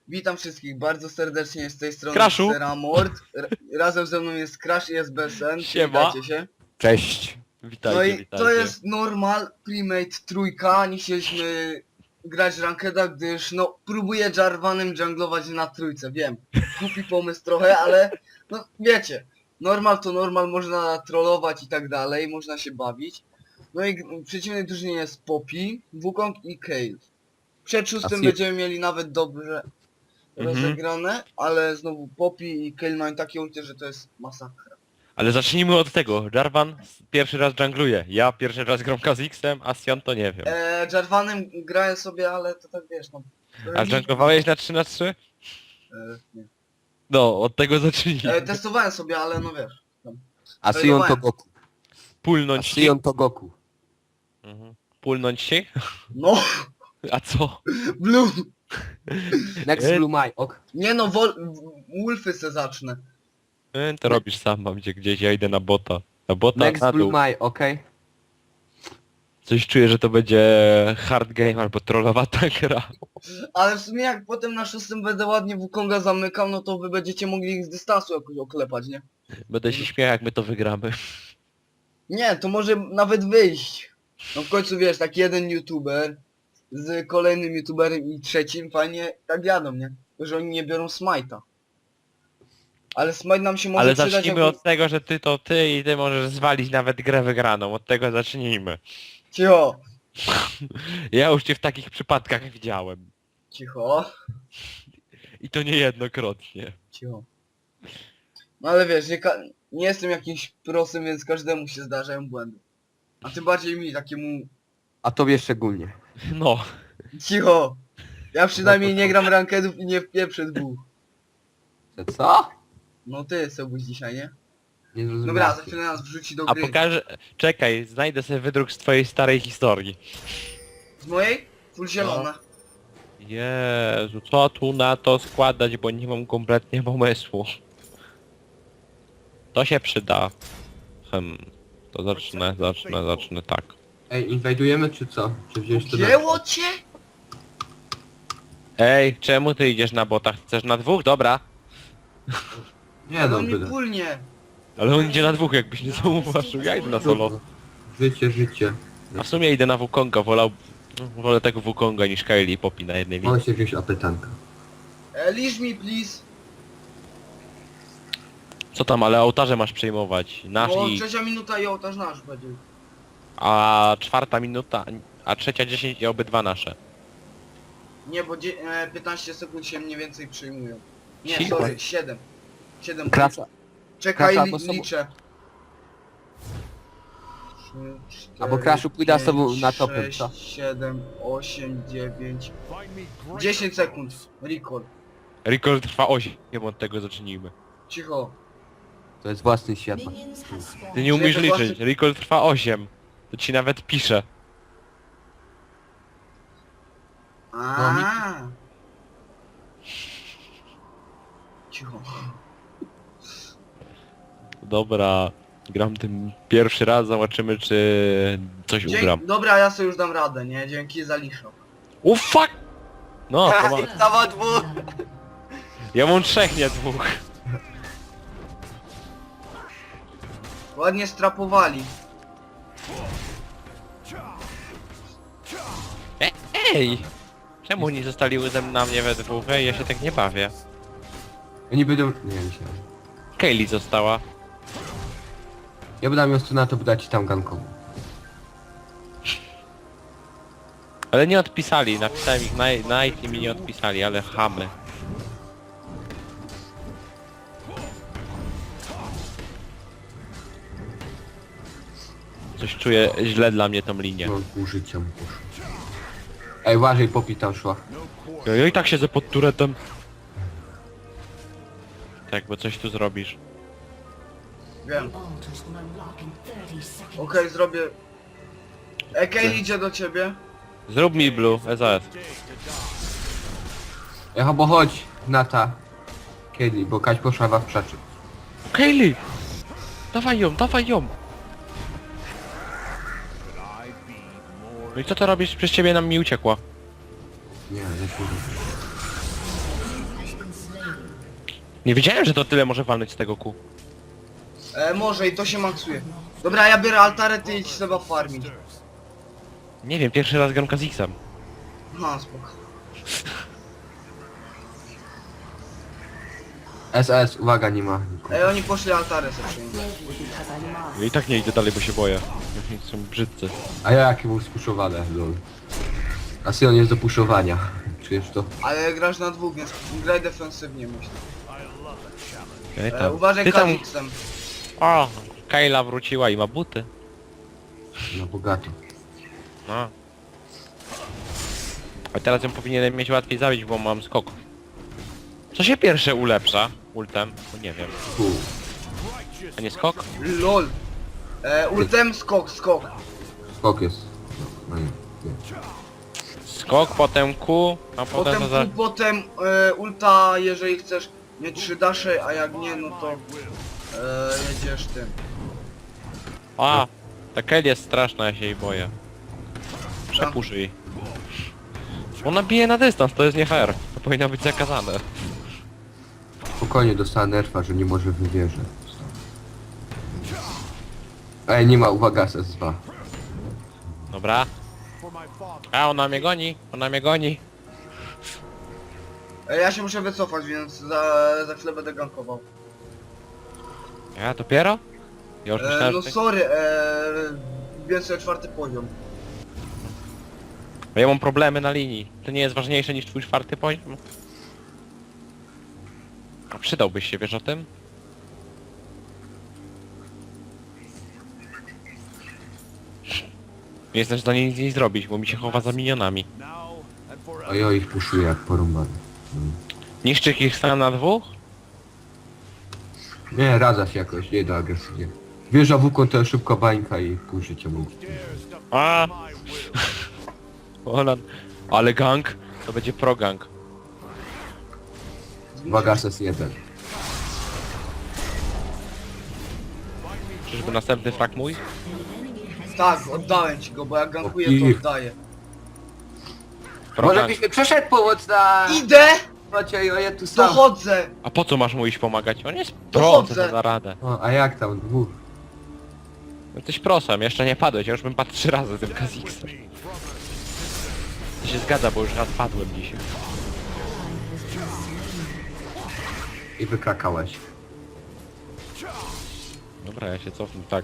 Witam wszystkich bardzo serdecznie z tej strony Crashu. Seramord. Razem ze mną jest Crash i jest BSN. Siema. Witajcie się. Cześć. Witajcie, No i witajcie. to jest normal Primate trójka. Nie chcieliśmy grać rankeda, gdyż no próbuję Jarvanem junglować na trójce. Wiem, głupi pomysł trochę, ale no wiecie. Normal to normal, można trollować i tak dalej, można się bawić. No i w przeciwnej drużynie jest Poppy, Wukong i Kayle. Przed szóstym będziemy mieli nawet dobrze rozegrane, ale znowu Poppy i Kayle mają takie ulty, że to jest masakra. Ale zacznijmy od tego. Jarvan pierwszy raz jungluje. Ja pierwszy raz gram Kha'Zixem, a Sion to nie wiem. Jarvanem grałem sobie, ale to tak wiesz, no. A junglowałeś na 3 na 3? Nie. No, od tego zacznijmy. Testowałem sobie, ale no wiesz. Tam. A Sion to Goku. Pulnąć ci? Sion to Goku. Mhm. Pulnąć ci? No, A co? Blue! Next Blue My, ok. Nie no, Wolfy se zacznę. To robisz sam, mam gdzie gdzieś, ja idę na bota. Na bota, Next na Blue dół. My, okej. Coś czuję, że to będzie hard game albo trollowata gra. Ale w sumie jak potem na szóstym będę ładnie Wukonga zamykał, no to wy będziecie mogli ich z dystansu jakoś oklepać, nie? Będę się śmiał, jak my to wygramy. Nie, to może nawet wyjść. No w końcu wiesz, taki jeden youtuber z kolejnym youtuberem i trzecim fajnie tak jadą, nie? Tylko, że oni nie biorą smite'a. Ale smite nam się może Ale przydać zacznijmy jako... od tego, że ty to ty i ty możesz zwalić nawet grę wygraną. Od tego zacznijmy. Cicho, Ja już cię w takich przypadkach widziałem. cicho, I to niejednokrotnie. cicho. No ale wiesz, nie jestem jakimś prosem, więc każdemu się zdarzają błędy. A tym bardziej mi, takiemu... A tobie szczególnie. No. Cicho! Ja przynajmniej nie gram rankedów i nie wpieprzę dwóch. Co? No ty Sebuś dzisiaj, nie? Nie zrozumiałem. Dobra, za chwilę nas wrzuci do A gry. pokażę... Czekaj, znajdę sobie wydruk z twojej starej historii. Z mojej? Full zielona. Jezu, co tu na to składać, bo nie mam kompletnie pomysłu. To się przyda. To zacznę tak. Ej, inwajdujemy czy co? Czy wziąć to Gięło cię? Ej, czemu ty idziesz na bota? Chcesz na dwóch? Dobra. Nie No no, mi byle. pulnie. Ale on idzie na dwóch, jakbyś nie zauważył. Ja idę na solo. Życie, życie. A w sumie idę na Wukonga, wolę tego Wukonga niż Kayle i Poppy na jednej linii. Mogę się wziąć apetanka. Leave me please. Co tam, ale ołtarze masz przejmować. Nasz Bo i... trzecia minuta i ołtarz nasz będzie. A czwarta minuta, a trzecia 10 i obydwa nasze. Nie, bo 15 sekund się mniej więcej przyjmują. Nie, Si- sorry, 7. 7. Klasa. Czekaj, Klasa, to są- liczę. Albo Crashu pójdę z tobą na topem, co? 7, 8, 9, 10 sekund. Recall. Record trwa 8, od tego zacznijmy. Cicho. To jest własny świat. Ty nie umiesz Czyli to liczyć, record trwa 8. To ci nawet pisze. A. Cicho. Dobra, gram tym pierwszy raz, zobaczymy czy coś ugram. Dobra, ja sobie już dam radę, nie? Dzięki za liszok. O fuck! No, to ma... Dawa dwóch! ja mam 3, nie 2. Ładnie strapowali. Ej! Czemu oni zostali ze mną na mnie we dwóch? Ej, ja się tak nie bawię. Oni będą... Nie, myślałem. Kayle została. Ja będę miał stronę, to będę ci tam ganką. Ale nie odpisali, napisałem ich na ich i mi nie odpisali, ale chamy. Coś czuję źle dla mnie tą linię. No, pół życia mu poszło. Ej, uważaj, Poppy tam szła. Ja i tak siedzę pod turetem. Tak, bo coś tu zrobisz. Wiem. Okej, zrobię. Ekej idzie do ciebie. Zrób mi blue, SOS. Ej, bo chodź, Nata. Kiedy, bo Kaś poszła w przeczy. Kayle! Dawaj ją, dawaj ją! No i co to robisz? Przez ciebie nam mi uciekła. Nie, nie Nie wiedziałem, że to tyle może walnąć z tego Q. Może i to się maksuje. Dobra, ja biorę altarę, ty idź trzeba farmić. Nie wiem, pierwszy raz gram Kha'Zixem. No, spoko. SS, uwaga, nie ma nikogo. Oni poszli altarę sobie przyjąć. Ja i tak nie idę dalej, bo się boję. Są brzydcy. A ja jaki był spuszowany, lol. A Sion jest do puszowania. Czujesz to? Ale grasz na dwóch, więc graj defensywnie, myślę. Ej, tam. Uważaj Ty tam... Kha'Zixem. O, Kayla wróciła i ma buty. Na bogato. No. A teraz ją powinienem mieć łatwiej zabić, bo mam skok. Co się pierwsze ulepsza? Ultem? No nie wiem. Fu. A nie skok? LOL. Ultem, skok. Skok jest. No nie. Skok, potem Q, a potem... Potem, to za... potem ulta, jeżeli chcesz mieć 3 dasze, a jak nie, no to jedziesz tym. A! Ta Kelly jest straszna, ja się jej boję. Przepusz jej. Ona bije na dystans, to jest nie fair. To powinno być zakazane. Spokojnie dostała nerfa, że nie może wywierzę. Ej, nie ma, uwaga, SS2. Dobra. A, ona mnie goni. Ja się muszę wycofać, więc za chwilę będę gankował. Ja dopiero? Ja już myślałem, No że... sorry, wbiłem sobie 4. poziom. Ja mam problemy na linii. To nie jest ważniejsze niż twój 4. poziom? A przydałbyś się, wiesz o tym? Nie jestem w stanie nic nie zrobić, bo mi się chowa za minionami. A ja ich puszuję jak porąbany. Niszczy ich stan na dwóch? Nie, radza się jakoś, nie da agresywnie. Wjeżdża wukon, to szybko bańka i pół życia mu. A! Ona... Ale gang? To będzie pro gang. Uwaga, SS1. Czyżby następny frak mój? Tak, oddałem ci go, bo jak gankuję, to oddaję. Pro Może gang. byś mi przeszedł pomoc na... Idę! Macie, ja tu sam. Dochodzę! A po co masz mu iść pomagać? On jest pro, Dochodzę. co to za radę. O, a jak tam, dwóch? Jesteś prosem, jeszcze nie padłeś, ja już bym padł 3 razy tym Kha'Zixem. To się zgadza, bo już raz padłem dzisiaj. I wykrakałeś. Dobra, ja się cofnę, tak.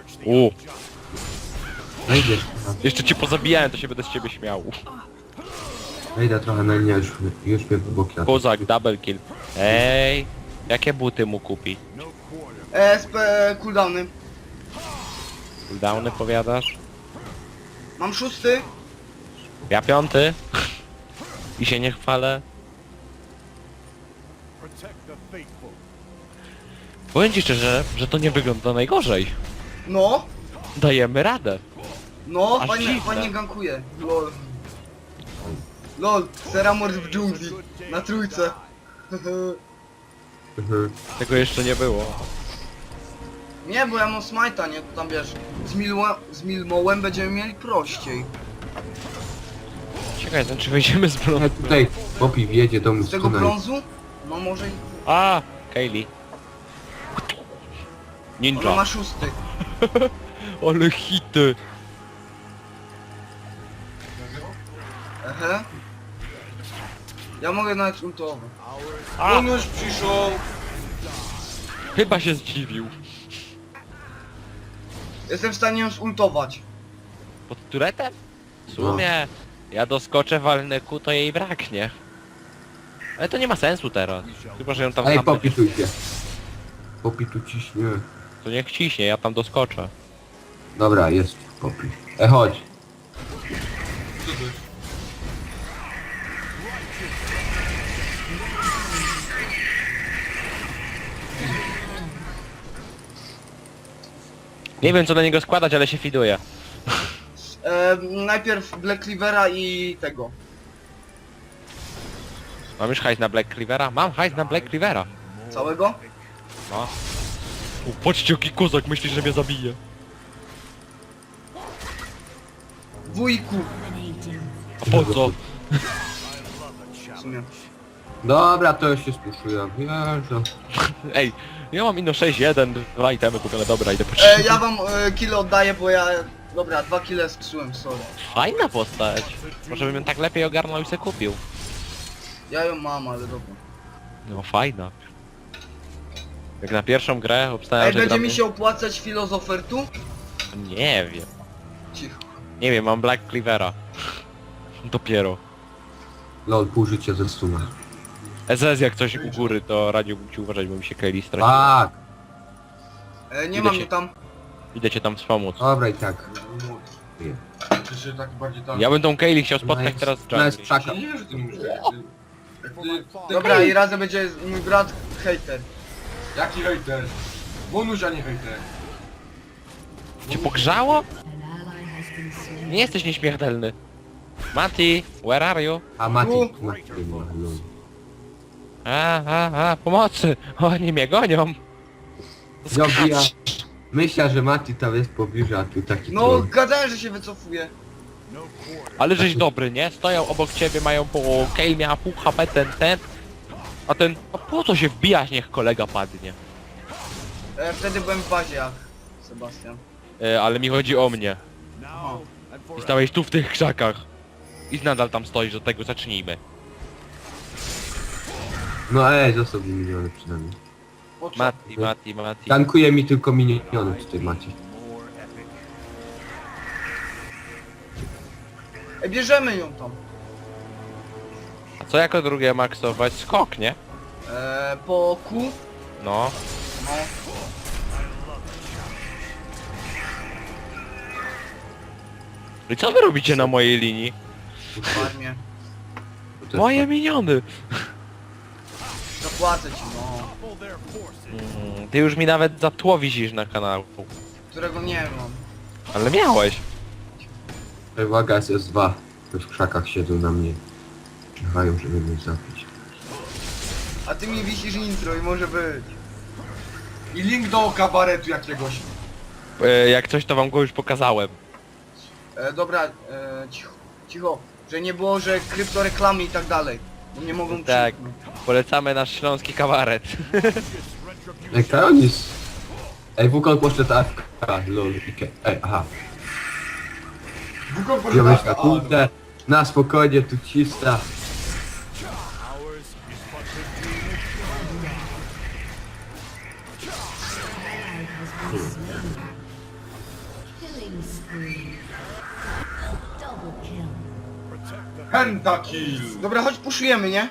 No idziesz. Jeszcze cię pozabijałem, to się będę z ciebie śmiał. Wejdę trochę na linię, już mnie boki na to. Kozak, double kill. Ej, jakie buty mu kupi? SP cooldowny. Cooldowny powiadasz? Mam 6. Ja 5. I się nie chwalę. Powiem ci szczerze, że to nie wygląda najgorzej. No, Dajemy radę. no, Aż fajnie, dziwne. fajnie gankuje. LOL. LOL, Seramord w dżungli. Na 3. Tego jeszcze nie było. Nie, bo ja mam smite'a, nie? To tam wiesz, z Milmołem będziemy mieli prościej. Ciekawe jestem, czy wyjdziemy z brązu. Tutaj Poppy wjedzie do mnie Z tego brązu? No może i... A, Kaylee. Ona Ninja. ma 6. Ale hity. Ehe. Ja mogę nawet ultować. A, On już przyszł. chyba się zdziwił. Jestem w stanie ją zultować. Pod turetem? W sumie, ja doskoczę, walnę ku, to jej braknie. Ale to nie ma sensu teraz. Chyba, że ją tam Ej, sam Poppy tu idzie. Poppy tu ciśnie. To niech ciśnie, ja tam doskoczę. Dobra, jest Poppy. Chodź. Nie wiem co na niego składać, ale się fiduje. Najpierw Black Cleavera i tego. Mam już hajs na Black Cleavera? Mam hajs na Black Cleavera. Całego? No. Patrzcie jaki kozak, myśli, że mnie zabije. Wujku. A po co? W sumie. Dobra, to już się spuszują. Jezu. Ej, ja mam ino 6-1, 2 itemy kupione, dobra, idę po Ja wam kile oddaję, bo ja... Dobra, 2 kile skrzyłem, sorry. Fajna postać. Może bym ją tak lepiej ogarnął i se kupił. Ja ją mam, ale dobra. No fajna. Jak na pierwszą grę obstałem, Ej, że będzie gramy... mi się opłacać filozofertu? Nie wiem. Cicho. Nie wiem, mam Black Cleavera. Dopiero. Lol, pół życia ze stuna. SS jak coś u góry, to radziłbym ci uważać, bo mi się Kaylee stracił. Tak! Nie Idę mam się- mnie tam. Idę cię tam wspomóc. Dobra i tak. Czy się tak bardziej tam... Ja bym tą Kaylee chciał spotkać Nice. teraz z Nice, Jungli. czaka. Nie wiem, że ty mówisz ty... Dobra, i razem będzie mój brat hater. Jaki hejter? Bonuś, a nie hejter. Cię pogrzało? Nie jesteś nieśmiertelny. Mati, where are you? A Mati, Tu. Mati, lol. Pomocy! Oni mnie gonią! Zobija. Myślę, że Mati tam jest w pobliżu, a tu taki No, troll. gadałem, że się wycofuje. Ale żeś dobry, nie? Stoją obok ciebie, mają po... Kale miała pół HP, ten... A ten... A po co się wbijać, niech kolega padnie? Wtedy byłem w bazie jak Sebastian. Ale mi chodzi o mnie. Aha. I stałeś tu w tych krzakach. I nadal tam stoisz, do tego zacznijmy. No został mi miniony przynajmniej. Po co? Mati. Tankuje mi tylko miniony tutaj Mati. Bierzemy ją tam. A co jako drugie maksować? Skok, nie? Po Q. No. No. I co wy robicie na mojej linii? W armię. To jest Moje miniony! Zapłacę ci, no. Ty już mi nawet za tło wisisz na kanału. Którego nie mam. Ale miałeś. tak. Uwaga, SS2. To w krzakach siedzą na mnie. Czekają, żeby mnie zabić. A ty mi wisisz intro i może być. I link do kabaretu jakiegoś. Jak coś to wam go już pokazałem. Dobra, cicho. Cicho. Że nie było, że kryptoreklamy i tak dalej. Bo nie mogą Tak. krzyknąć. Polecamy nasz śląski kabaret. Ej, Karonis! Ej, Wukon poszedł AFK. Lol, ej, aha. Wukon Ja myślę, poszedł kurde, na spokojnie, tu cista. Killing spree. Double kill. Pentakill! Dobra, chodź puszujemy, nie?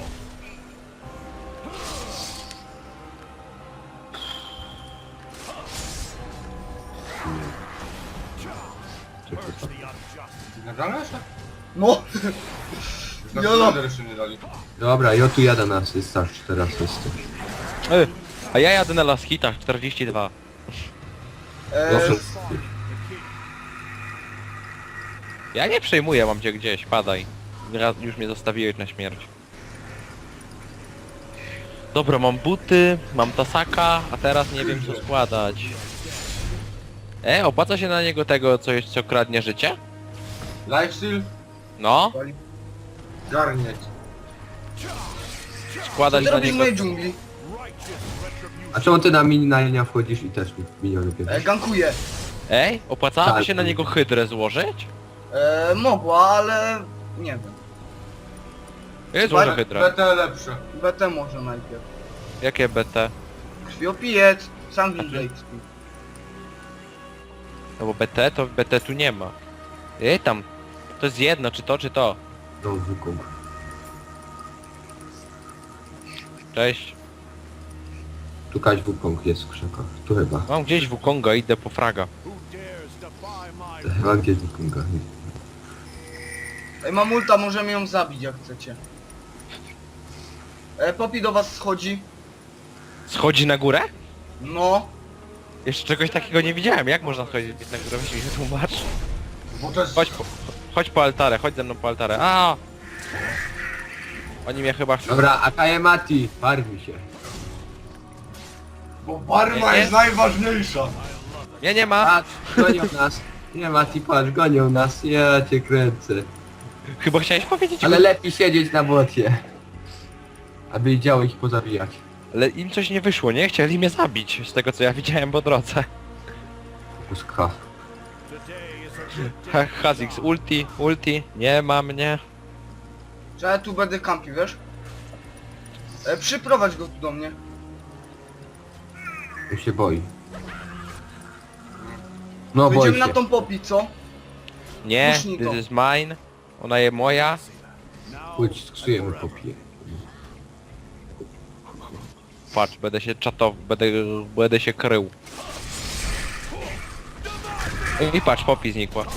Nagrane jeszcze? No! Już Jolo. na jeszcze nie dali. Dobra, ja tu jadę na asystach, teraz jestem. A ja jadę na Las Hitach 42. Proszę. Ja nie przejmuję, mam cię gdzieś, padaj. Już mnie zostawiłeś na śmierć. Dobra, mam buty, mam tasaka, a teraz nie wiem co składać. Opłaca się na niego tego coś, co kradnie życie? Lifesteal? No, Garnieć. Co składać ty na robisz w niego... mojej dżungli? A czemu ty na linia wchodzisz i też mi miniony bierzesz? Gankuję. Opłacałoby Tak. się na niego hydrę złożyć? Mogła, ale... Nie wiem. Ja złożę hydrę. BT lepsze. BT może najpierw. Jakie BT? Krwiopijec, Sanguine Blade. No bo BT tu nie ma. Tam. To jest jedno, czy to, czy to. No, Wukong. Cześć. Tu kaś Wukong jest w krzakach. Tu chyba. Mam gdzieś Wukonga, idę po fraga. Chyba gdzieś Wukonga. Ej, mam ulta, możemy ją zabić jak chcecie. Poppy do was schodzi. Schodzi na górę? No. Jeszcze czegoś takiego nie widziałem. Jak można schodzić na górę? Weź mi się tłumacz. Bo to jest... Chodź po altarę, chodź ze mną po altarę. A! Oni mnie chyba chcą... Dobra, Akaje Mati, farmi się. Bo barma Nie? jest najważniejsza. Nie, nie ma! Patrz, gonią nas. Nie Mati, patrz, gonią nas. Ja cię kręcę. Chyba chciałeś powiedzieć... Ale lepiej siedzieć na bocie. Aby działo ich pozabijać. Ale im coś nie wyszło, nie? Chcieli mnie zabić, z tego co ja widziałem po drodze. Puska. Kha'Zix, ulti, nie ma mnie. Że ja tu będę kampił, wiesz? Przyprowadź go tu do mnie. On się boi. No boi Będziemy się. na tą popi, co? Nie, Puśnij to. this is mine. Ona jest moja. Chodź, sksujemy popiję. Patrz, będę się czatował, będę się krył. I patrz, Poppy znikła.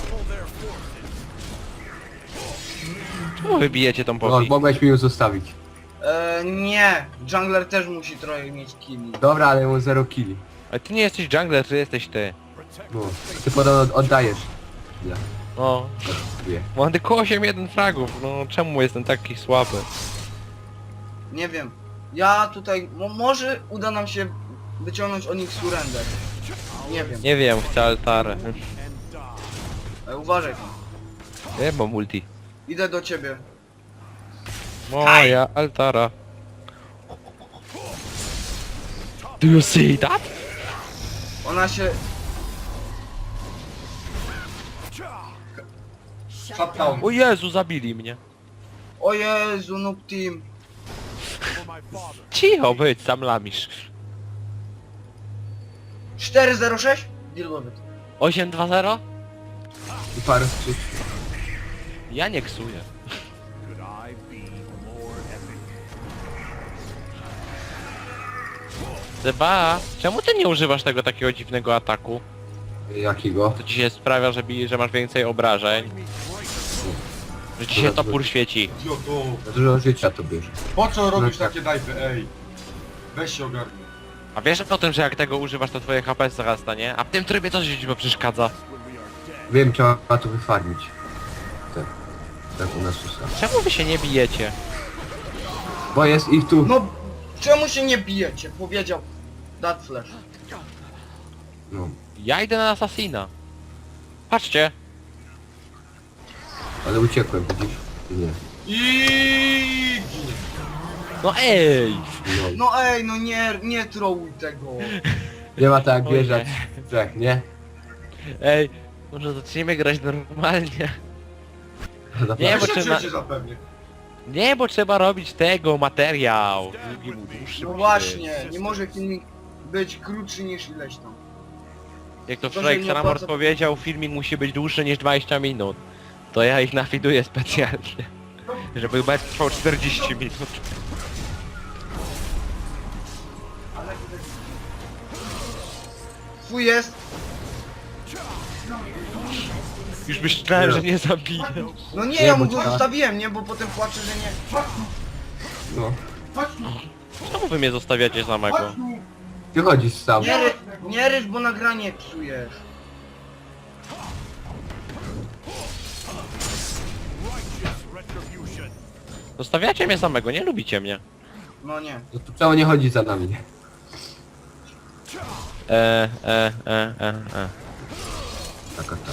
Czemu wybijecie tą No, Poppy? mogłeś mi ją zostawić. Nie. Jungler też musi trochę mieć killi. Dobra, ale mam 0 killi. Ale ty nie jesteś jungler, ty jesteś ty. No. Ty potem oddajesz. Ja. No, Wie. mam tylko 8-1 fragów, no czemu jestem taki słaby? Nie wiem. Ja tutaj... może uda nam się wyciągnąć o nich surrender. Nie wiem. Nie wiem, chcę altarę. Uważaj. Nie mam multi. Idę do ciebie. Moja altara. Do you see that? Ona się... Shutdown. O Jezu, zabili mnie. O Jezu, noob team. Cicho być, sam lamisz. 406? Deal with it. 8-2-0? I parę skrzyp. Ja nie ksuję. Zeba, czemu ty nie używasz tego takiego dziwnego ataku? Jakiego? To ci się sprawia, że masz więcej obrażeń. Że ci się topór świeci. Idioto. Za dużo życia to bierze. Po co robisz tak. takie dajpy, ej? Weź się ogarnij. A wiesz o tym, że jak tego używasz, to twoje HP zarasta, nie? A w tym trybie coś ci przeszkadza. Wiem, trzeba to wyfarmić. Tak. Tak u nas usta. Czemu wy się nie bijecie? Bo jest ich tu. No, czemu się nie bijecie? Powiedział that flash. No. Ja idę na Assassina. Patrzcie. Ale uciekłem, widzisz? Nie. I ginie. No ej! No. No ej, no nie trolluj tego. Nie ma tak jak Oj, wjeżdżać w trzech, nie? Ej, może zaczniemy grać normalnie. Nie, Ja bo się trzeba- trzecie zapewnie. Nie, bo trzeba robić tego, materiał. Drugi mu dłuższy No musi właśnie, być. nie może filmik być krótszy niż ileś tam. Jak to To, że wczoraj nie Xenamort opłaca- powiedział, filmik musi być dłuższy niż 20 minut. To ja ich nafiduję specjalnie. Żeby mecz trwał 40 minut. Twój jest. Już myślałem, że nie zabiję. No nie, Nie, ja bo mu go trzeba- zostawiłem, nie? Bo potem płaczę, że nie. No. Czemu wy mnie zostawiacie samego? Chodź tu. Ty chodzisz sam. Nie ryż, bo nagranie psujesz. Zostawiacie mnie samego, nie lubicie mnie. No nie. No to czemu nie chodzi za nami? E. Taka ta.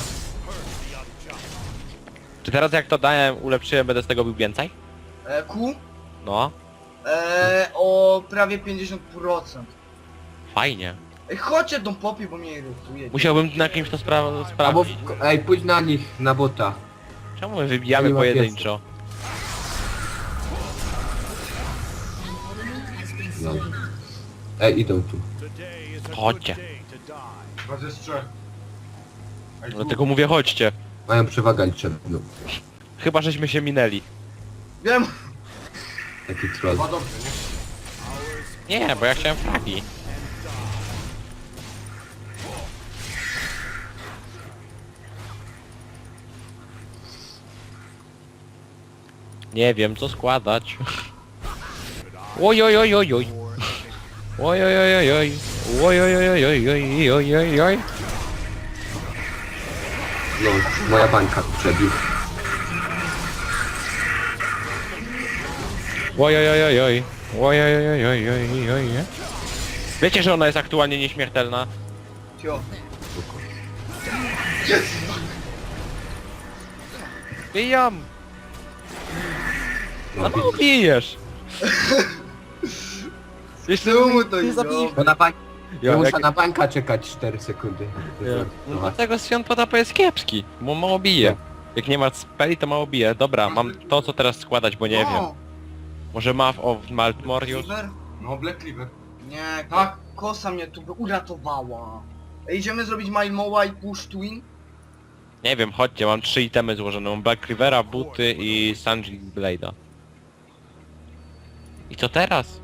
Czy teraz jak to dałem, ulepszyłem, będę z tego bił więcej? Q? No, O prawie 50%. fajnie. Ej, chodźcie tą popi, bo mnie irytuje. Musiałbym na kimś to Albo, sprawdzić. ej, pójdź na nich, na bota. Czemu my wybijamy Nie ma pojedynczo? No. Ej, idą tu. Chodźcie. Was jest trzech. Ej, tu. Dlatego mówię chodźcie. Mają przewagę liczebną. Chyba żeśmy się minęli. Wiem. Taki troll. Chyba dobrze, nie? Nie, bo ja chciałem fragi. Nie wiem co składać. Oj oj oj oj oj. Oj oj oj oj oj. Oj oj oj oj oj oj oj oj oj. No, moja bańka tu przebił. Oj oj oj oj oj. Oj oj oj oj oj oj oj. Wiecie, że ona jest aktualnie nieśmiertelna? Cio. Bijam! No, No bijesz! Jeszcze Czemu to nie nie zabiję. Bo na bań... Ja, Ja muszę jak- na bańka czekać 4 sekundy. No dlatego Sion Potapa jest kiepski, bo mało bije. Jak nie ma speli, to mało bije. Dobra, mam to co teraz składać, bo nie wiem. Może Maw of Maltmorius? Cleaver? No, Black Cleaver. Nie, Tak. kosa mnie tu by uratowała. Idziemy zrobić Malmoła i Push Twin? Nie wiem, chodźcie, mam 3 itemy złożone. Mam Black Rivera, buty i Sanji Blade'a. I co teraz?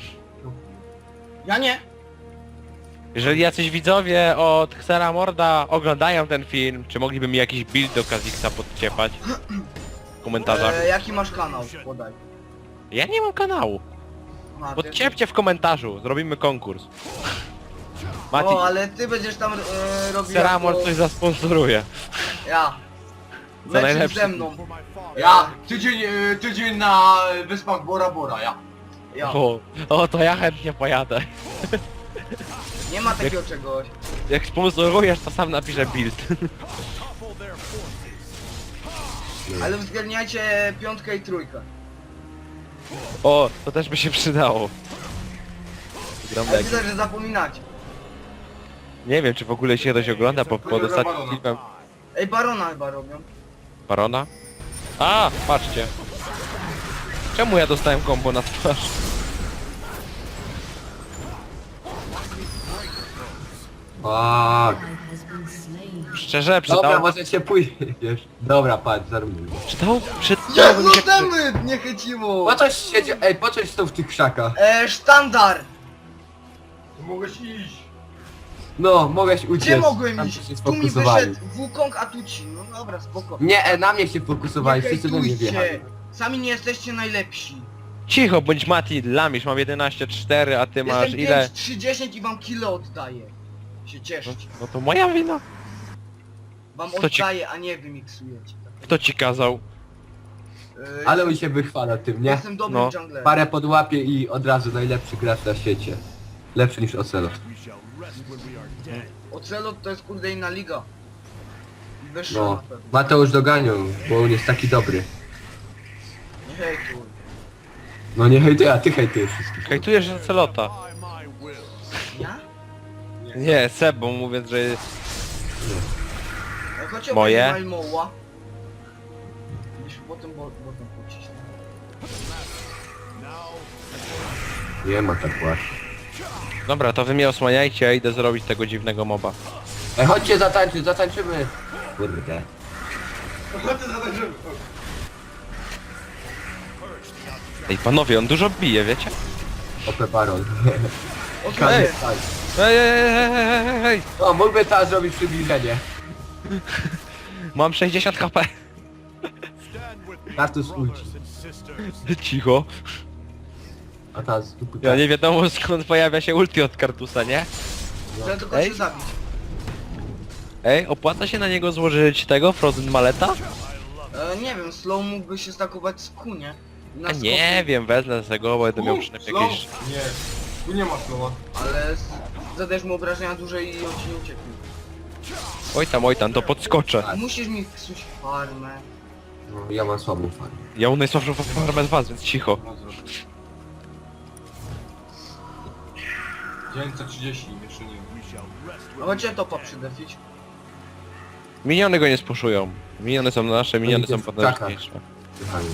Ja nie. Jeżeli jacyś widzowie od Xera Morda oglądają ten film, czy mogliby mi jakiś build do Kha'Zixa podciepać? W komentarzach. Jaki masz kanał? Podaj. Ja nie mam kanału. Aha, ty- Podciepcie w komentarzu, zrobimy konkurs. Mati, O, ale ty będziesz tam robił Xera Mord jako... coś zasponsoruje. Ja. Lecisz najlepsze. ze mną. Ja, tydzień na wyspach Bora Bora, ja. Ja. O, to ja chętnie pojadę. Nie ma takiego czegoś. Jak sponsorujesz, to sam napiszę build. Ale uwzględniajcie piątkę i trójkę. O, to też by się przydało. Gram Ale tak. widzę, że zapominacie. Nie wiem, czy w ogóle się ktoś ogląda pod ostatnim filmem Ej, Barona chyba robią. Barona. A, patrzcie. Czemu ja dostałem kombo na twarz? Fuck. Ally has been slain. Szczerze, Dobra, przydało... możecie pójść. Dobra, patrz, zarówno. Przydałoby mi Jezu, się... temy! Nie chyciło! Po coś siedzi... Ej, po coś są w tych krzakach? Sztandar! Mogłeś iść. No, mogłeś uciec. Gdzie mogłem Tam iść? się Tu mi sfokusowali. wyszedł Wukong, a tu ci. No dobra, spoko. Nie, na mnie się fokusowali, Nie wszyscy do mnie hejtujcie. wjechali. Sami nie jesteście najlepsi. Cicho, bądź Mati, lamisz, mam 11,4, a ty masz Jestem ile? 5-3-10 i wam kilo oddaję. Się No, cieszycie. no to moja wina. Wam kto ci- oddaję, a nie wy miksujecie. Kto ci kazał? Ale on się wychwala tym, nie? Jestem dobrym No. junglerem. Parę podłapie i od razu najlepszy gracz na świecie. Lepszy niż Ocelot. Ocelot to jest kurde inna liga. Wyższa No, na pewno. Mateusz doganią, bo on jest taki dobry. Nie hejtuj. No nie hejtuj, a ty hejtujesz wszystkich. Hejtujesz Ocelota. Ja? Nie, Seb, bo mówiąc, że... Jak chodź Moje? Malmoła. Byśmy potem pocisnął. Nie ma tak właśnie. Dobra, to wy mnie osłaniajcie, a idę zrobić tego dziwnego moba. Ej, chodźcie zatańczyć, zatańczymy. Kurde. Chodźcie za tym. Ej, panowie, on dużo bije, wiecie? Ope Baron. Okej. Ej, ej, ej, ej, ej, ej. O, mógłby teraz zrobić przybliżenie. Mam 60 HP. Kartus ulci. Cicho. A teraz tu Ja nie wiadomo skąd pojawia się ulti od Kartusa, nie? Chcę tylko Ej. się zabić. Ej, opłaca się na niego złożyć tego, Frozen Maleta? Nie wiem, slow mógłby się stakować z Q, nie? I na A nie wiem, wezmę z tego, bo będę miał przynajmniej Slow? jakieś... Nie. Tu nie ma slowa. Ale zadajesz mu obrażenia duże i on ci nie ucieknie. Oj tam, to podskoczę. Musisz mi psuć farmę. No, ja mam słabą farmę. Ja mam najsłabszą farmę z was, więc cicho. 930, jeszcze nie. A chodźcie topa przydefić. Miniony go nie spuszują. Miniony są nasze, miniony są idzie w krzakach. potężniejsze. Kochani.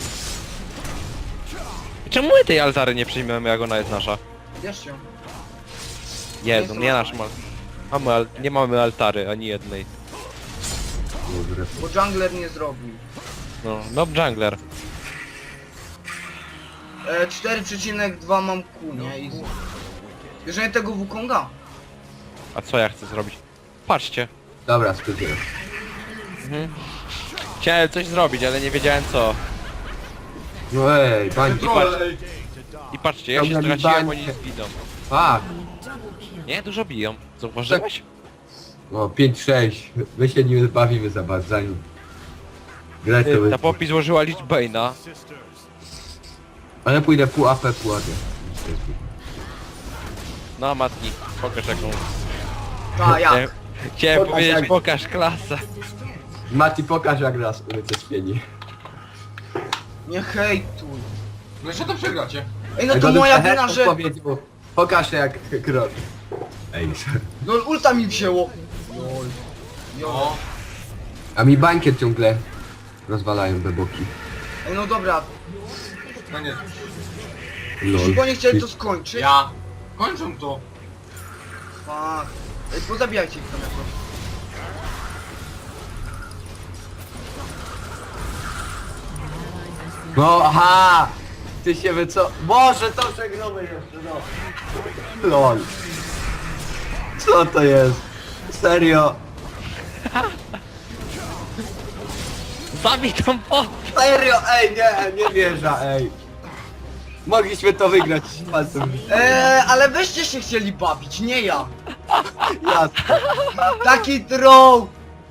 Czemu my tej altary nie przyjmiemy, jak ona jest nasza? Bierz ją. Jezu, nie nasz ma... Nie mamy altary, ani jednej. Dobre. Bo jungler nie zrobił. No jungler. 4,2 mam Q, nie? I bierzemy tego Wukonga. A co ja chcę zrobić? Patrzcie. Dobra, spróbuję. Chciałem coś zrobić, ale nie wiedziałem co. No ej, bańki. Troll, ej. I patrzcie, ja się Dobra, straciłem, bańkę. oni zginą. Fuck. Nie, dużo biją. Zauważyłeś? O, 5-6. My się nie bawimy za bardzo. zanim grę to Ta będzie. Poppy złożyła Lich Bane'a. Ale pójdę pół AP, pół AD. No matki, pokaż jaką... Ta, jak? Chciałem Pokaż powiedzieć, jak. pokaż klasę. Mati, pokaż jak raz ulice spieni. Nie hejtuj. No jeszcze to przegracie. Ej, no to moja wina, że... Powiedział, Pokaż się jak krok. Ej. No ulta mi wzięło. Lol. No. A mi bankiet ciągle rozwalają beboki. Ej, no dobra, Koniec. jeśli oni chcieli to skończyć. Ja. Kończą to. Fuck. Ej, pozabijajcie ich tam jakoś. No aha! Ty się co? Boże, to przegramy jeszcze, no. Lol. Co to jest? Serio? Zabij tą pot! Serio? Ej, nie wierzę, ej. Mogliśmy to wygrać z palcem. Ale weźcie się chcieli bawić, nie ja. Jasne. Taki troll.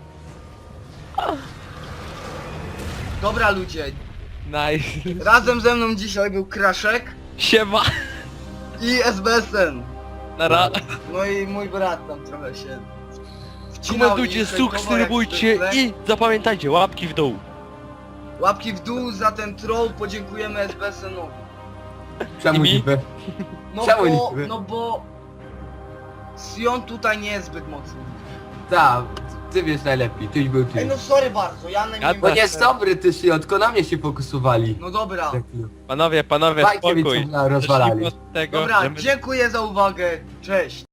Dobra ludzie, Nice. razem ze mną dzisiaj był Kraszek Siema. i SBSN. Nara. No i mój brat tam trochę się wcinał Komentujcie, i hejtował jak subskrybujcie zwykle. i zapamiętajcie, łapki w dół. Łapki w dół za ten troll, podziękujemy SBSN-owi. Czemu I mi? niby? No Czemu bo, niby? no bo Sion tutaj nie jest zbyt mocny. Tak, ty wiesz najlepiej, tyś był Ej ty. no sorry bardzo, ja na Ja nim... Bo nie jest dobry ty Sion, tylko na mnie się fokusowali. No dobra, Panowie, Bajki mi spokój. co rozwalali. Zacznijmy od tego, dobra, że my dziękuję za uwagę, cześć.